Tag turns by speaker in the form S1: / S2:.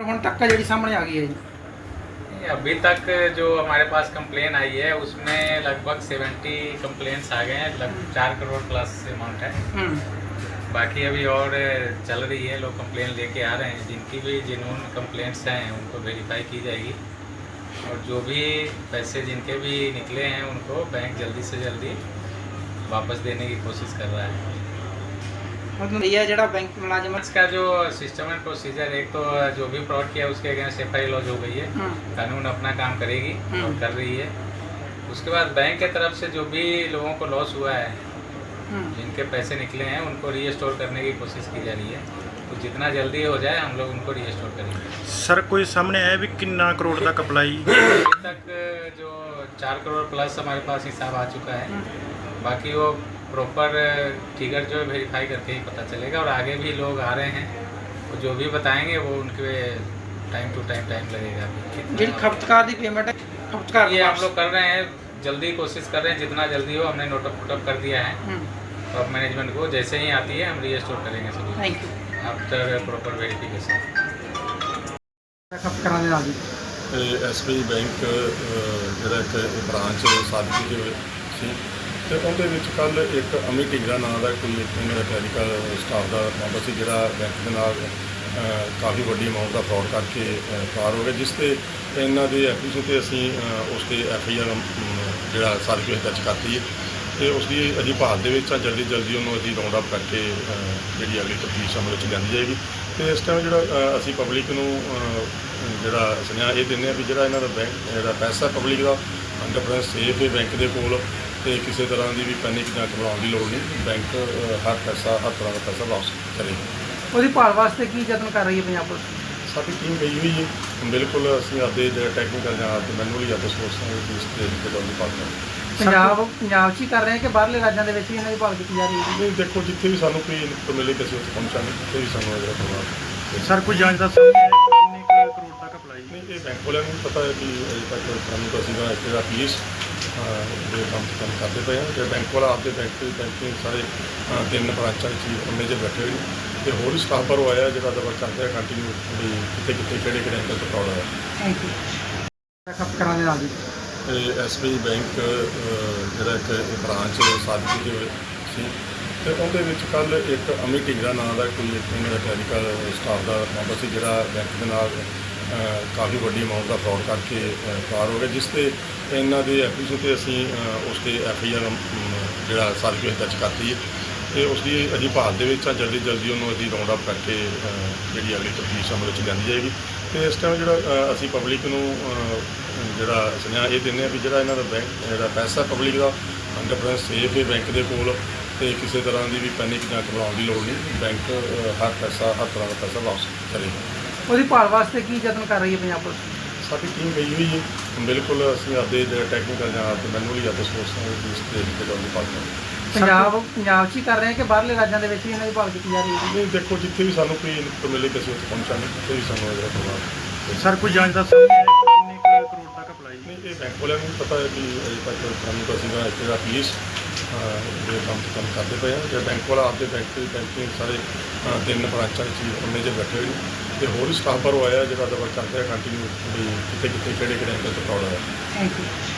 S1: ਹੁਣ तक जी सामने आ गई है जी।
S2: अभी तक जो हमारे पास कंप्लेन आई है उसमें लगभग 70 कंप्लेंट्स आ गए हैं, लगभग 4 करोड़ प्लस अमाउंट है। बाकी अभी और चल रही है, लोग कंप्लेन लेके आ रहे हैं। जिनकी भी जेन्युइन कंप्लेंट्स हैं उनको वेरीफाई की जाएगी और जो भी पैसे जिनके भी निकले हैं उनको बैंक जल्दी से जल्दी वापस देने की कोशिश कर रहा है।
S1: मतलब ये जरा बैंक मुलाजिम
S2: इसका जो सिस्टम एंड प्रोसीजर, एक तो जो भी फ्रॉड किया उसके अगेंस्ट FIR लॉन्च हो गई है, कानून अपना काम करेगी और कर रही है। उसके बाद बैंक के तरफ से जो भी लोगों को लॉस हुआ है, जिनके पैसे निकले हैं उनको रीस्टोर करने की कोशिश की जा रही है। तो जितना जल्दी हो जाए हम लोग उनको रीस्टोर करेंगे।
S3: सर कोई सामने आया भी कितना करोड़ तक अप्लाई?
S2: अभी तक जो 4 करोड़ प्लस हमारे पास हिसाब आ चुका है। बाकी वो प्रॉपर फिगर जो है वेरीफाई करके ही पता चलेगा और आगे भी लोग आ रहे हैं, वो जो भी बताएंगे वो उनके टाइम टू टाइम लगेगा।
S1: जी खपतकार की पेमेंट है, खपतकार
S2: ये हम लोग कर रहे हैं, जल्दी कोशिश कर रहे हैं, जितना जल्दी हो हमने नोटअप कर दिया है टॉप मैनेजमेंट को। जैसे ही आती है हम रीस्टोर करेंगे सभी
S1: thank you
S2: after proper verification.
S1: खपतकार ਦੇ ਨਾਲ ਜੀ
S4: SBI ਬੈਂਕ ਜਿਹੜਾ ਇੱਕ ਬ੍ਰਾਂਚ ਸਾਦਕੀ ਦੇ ਸੀ ਤੇ ਉਹਦੇ ਵਿੱਚ ਕੱਲ ਇੱਕ ਅਮਿਤ ਢਿੰਗਰਾ ਨਾਂ ਦਾ ਕੋਈ ਇੱਥੇ ਮੇਰਾ ਕਲੈਰੀਕਲ ਸਟਾਫ ਦਾ ਮੈਂਬਰ ਸੀ ਜਿਹੜਾ ਬੈਂਕ ਦੇ ਨਾਲ ਕਾਫੀ ਵੱਡੀ ਅਮਾਊਂਟ ਦਾ ਫਰਾਡ ਕਰਕੇ ਫਰਾਰ ਹੋ ਗਿਆ, ਜਿਸ ਤੇ ਇਹਨਾਂ ਦੇ ਐਪਲੀਕੇਸ਼ਨ ਤੇ ਅਸੀਂ ਉਸ ਤੇ FIR ਜਿਹੜਾ ਸਾਦਕੀ ਦਰਜ ਕਰਤੀ ਹੈ ਤੇ ਉਸ ਦੀ ਅਜੀ ਭਾਲ ਦੇ ਵਿੱਚ ਜਲਦੀ ਉਹਨੂੰ ਅਸੀਂ ਰਾਉਂਡ ਅਪ ਕਰਕੇ ਜਿਹੜੀ ਅਗਲੀ ਤਫਤੀਸ਼ ਅਮਲ ਵਿੱਚ ਲਿਆਂਦੀ ਜਾਏਗੀ। ਤੇ ਇਸ ਟਾਈਮ ਜਿਹੜਾ ਅਸੀਂ ਪਬਲਿਕ ਨੂੰ ਜਿਹੜਾ ਸੁਨੇਹਾ ਇਹ ਦਿੰਦੇ ਹਾਂ ਵੀ ਜਿਹੜਾ ਇਹਨਾਂ ਦਾ ਬੈਂਕ ਜਿਹੜਾ ਪੈਸਾ ਪਬਲਿਕ ਦਾ 100% ਸੇਫ ਹੈ ਬੈਂਕ ਦੇ ਕੋਲ, ਤੇ ਕਿਸੇ ਤਰ੍ਹਾਂ ਦੀ ਵੀ ਪੈਨਿਕ ਜਾਂ ਘਬਰਾਉਣ ਦੀ ਲੋੜ ਨਹੀਂ। ਬੈਂਕ ਹਰ ਤਰ੍ਹਾਂ ਦਾ ਪੈਸਾ ਵਾਪਸ ਕਰੇਗਾ।
S1: ਉਹਦੀ ਭਾਲ ਵਾਸਤੇ ਕੀ ਯਤਨ ਕਰ ਰਹੀ ਹੈ ਪੰਜਾਬ ਪੁਲਿਸ?
S4: ਸਾਡੀ ਟੀਮ ਗਈ ਹੋਈ ਹੈ, ਬਿਲਕੁਲ ਅਸੀਂ ਆਪਦੇ ਟੈਕਨੀਕਲ ਜਾਂ ਮੈਨੂਅਲੀ ਆਪਦੇ ਸੋਰਸਾਂ ਦੀ ਇਸ ਤੇ ਦੀ ਭਾਲ ਕਰਾਂਗੇ।
S1: ਪੰਜਾਬ 'ਚ ਹੀ ਕਰ ਰਹੇ ਹਾਂ ਕਿ ਬਾਹਰਲੇ ਰਾਜਾਂ ਦੇ ਵਿੱਚ ਵੀ ਇਹਨਾਂ ਦੀ ਭਾਲ ਕੀਤੀ ਜਾ ਰਹੀ ਹੈ?
S4: ਨਹੀਂ, ਦੇਖੋ ਜਿੱਥੇ ਵੀ ਸਾਨੂੰ ਕੋਈ ਇਨਪੁਟ ਮਿਲੇ ਅਸੀਂ ਉੱਥੇ ਪਹੁੰਚਾਂਗੇ, ਜਿੱਥੇ ਵੀ ਸਾਨੂੰ ਇਹਦਾ ਪ੍ਰਭਾਵ।
S3: ਸਰ ਕੋਈ ਜਾਂਚ ਦਾ ਸਾਹਮਣੇ ਆਇਆ ਕਿੰਨੇ ਕਰੋੜ ਤੱਕ ਅਪਲਾਈ?
S4: ਨਹੀਂ, ਇਹ ਬੈਂਕ ਵਾਲਿਆਂ ਨੂੰ ਪਤਾ ਹੈ ਕਿ ਅਜੇ ਤੱਕ ਸਾਨੂੰ ਤਾਂ ਅਸੀਂ ਦਾ ਇੱਥੇ ਦਾ ਪੁਲਿਸ ਦੇ ਕੰਮ ਕਰਦੇ ਪਏ ਹਾਂ। ਜੇ ਬੈਂਕ ਵਾਲਾ ਆਪਦੇ ਬੈਂਕਿੰਗ ਸਾਰੇ 3 ਬ੍ਰਾਂਚਾਂ ਵਿੱਚ ਉਹਨੇ 'ਚ ਬੈਠੇ ਹੋਏ ਨੇ ਤੇ ਹੋਰ ਵੀ ਸਟਾਫ ਪਰ ਆਇਆ ਜਿਹੜਾ ਦਬਾ ਚੱਲਦਾ ਕੰਟੀਨਿਊ ਵੀ ਕਿੱਥੇ ਕਿਹੜੇ ਐਂਗਲ ਤੋਂ ਫਰਾਡ ਹੋਇਆ।
S1: ਥੈਂਕ ਯੂ ਖਪਤਕਾਰਾਂ ਦੇ ਨਾਲ ਜੀ
S4: SBI ਬੈਂਕ ਜਿਹੜਾ ਇੱਕ ਬ੍ਰਾਂਚ ਸਾਦਕੀ ਦੇ ਸੀ ਤੇ ਉਹਦੇ ਵਿੱਚ ਕੱਲ ਇੱਕ ਅਮਿਤ ਢਿੰਗਰਾ ਨਾਂ ਦਾ ਕੋਈ ਇੱਥੇ ਮੇਰਾ ਕਲੈਰੀਕਲ ਸਟਾਫ ਦਾ ਮੈਂਬਰ ਸੀ ਜਿਹੜਾ ਬੈਂਕ ਦੇ ਨਾਲ ਕਾਫੀ ਵੱਡੀ ਅਮਾਊਂਟ ਦਾ ਫਰਾਡ ਕਰਕੇ ਫਰਾਰ ਹੋ ਗਿਆ, ਜਿਸ ਤੇ ਇਹਨਾਂ ਦੇ ਐਪਲੀਕੇਸ਼ਨ ਤੇ ਅਸੀਂ ਉਸ ਤੇ FIR ਜਿਹੜਾ ਸਾਦਕੀ ਦਰਜ ਕਰਤੀ ਹੈ ਤੇ ਉਸ ਦੀ ਅਜੀ ਭਾਲ ਦੇ ਵਿੱਚ ਜਲਦੀ ਉਹਨੂੰ ਅਸੀਂ ਰਾਉਂਡ ਅਪ ਕਰਕੇ ਜਿਹੜੀ ਅਗਲੀ ਤਫਤੀਸ਼ ਅਮਲ ਵਿੱਚ ਲਿਆਂਦੀ ਜਾਏਗੀ। ਤੇ ਇਸ ਟਾਈਮ ਜਿਹੜਾ ਅਸੀਂ ਪਬਲਿਕ ਨੂੰ ਜਿਹੜਾ ਸੁਨੇਹਾ ਇਹ ਦਿੰਦੇ ਹਾਂ ਵੀ ਜਿਹੜਾ ਇਹਨਾਂ ਦਾ ਬੈਂਕ ਜਿਹੜਾ ਪੈਸਾ ਪਬਲਿਕ ਦਾ 100% ਸੇਫ ਹੈ ਬੈਂਕ ਦੇ ਕੋਲ, ਤੇ ਕਿਸੇ ਤਰ੍ਹਾਂ ਦੀ ਵੀ ਪੈਨਿਕ ਜਾਂ ਘਬਰਾਉਣ ਦੀ ਲੋੜ ਨਹੀਂ। ਬੈਂਕ ਹਰ ਤਰ੍ਹਾਂ ਦਾ ਪੈਸਾ ਵਾਪਸ ਕਰੇਗਾ।
S1: ਉਹਦੀ ਭਾਲ ਵਾਸਤੇ ਕੀ ਯਤਨ ਕਰ ਰਹੀ ਹੈ ਪੰਜਾਬ ਪੁਲਿਸ?
S4: ਸਾਡੀ ਟੀਮ ਗਈ ਹੋਈ ਹੈ, ਬਿਲਕੁਲ ਅਸੀਂ ਆਪਦੇ ਟੈਕਨੀਕਲ ਜਾਂ ਮੈਨੂਅਲੀ ਆਪਦੇ ਸੋਰਸਾਂ ਦੀ ਇਸ ਤੇ ਦੀ ਭਾਲ ਕਰਾਂਗੇ।
S1: ਪੰਜਾਬ 'ਚ ਹੀ ਕਰ ਰਹੇ ਹਾਂ ਕਿ ਬਾਹਰਲੇ ਰਾਜਾਂ ਦੇ ਵਿੱਚ ਵੀ ਇਹਨਾਂ ਦੀ ਭਾਲ ਕੀਤੀ ਜਾ ਰਹੀ ਹੈ?
S4: ਨਹੀਂ, ਦੇਖੋ ਜਿੱਥੇ ਵੀ ਸਾਨੂੰ ਕੋਈ ਇਨਪੁਟ ਮਿਲੇ ਅਸੀਂ ਉੱਥੇ ਪਹੁੰਚਾਂਗੇ, ਜਿੱਥੇ ਵੀ ਸਾਨੂੰ ਇਹਦਾ ਪ੍ਰਭਾਵ।
S3: ਸਰ ਕੋਈ ਜਾਂਚ ਦਾ ਸਾਹਮਣੇ ਆਇਆ ਕਿੰਨੇ ਕਰੋੜ ਤੱਕ ਅਪਲਾਈ?
S4: ਨਹੀਂ, ਇਹ ਬੈਂਕ ਵਾਲਿਆਂ ਨੂੰ ਪਤਾ ਹੈ ਕਿ ਅਜੇ ਤੱਕ ਸਾਨੂੰ ਤਾਂ ਅਸੀਂ ਦਾ ਇੱਥੇ ਦਾ ਪੁਲਿਸ ਦੇ ਕੰਮ ਕਰਦੇ ਪਏ ਹਾਂ। ਜੇ ਬੈਂਕ ਵਾਲਾ ਆਪਦੇ ਬੈਂਕਿੰਗ ਸਾਰੇ 3 ਬ੍ਰਾਂਚਾਂ ਵਿੱਚ ਉਹਨੇ 'ਚ ਬੈਠੇ ਹੋਏ ਨੇ ਤੇ ਹੋਰ ਵੀ ਸਟਾਫ ਪਰ ਆਇਆ ਜਿਹੜਾ ਦਬਾ ਚੱਲਦਾ ਕੰਟੀਨਿਊ ਵੀ ਕਿੱਥੇ ਕਿਹੜੇ ਐਂਗਲ ਤੋਂ ਫਰਾਡ ਹੋਇਆ।
S1: Thank you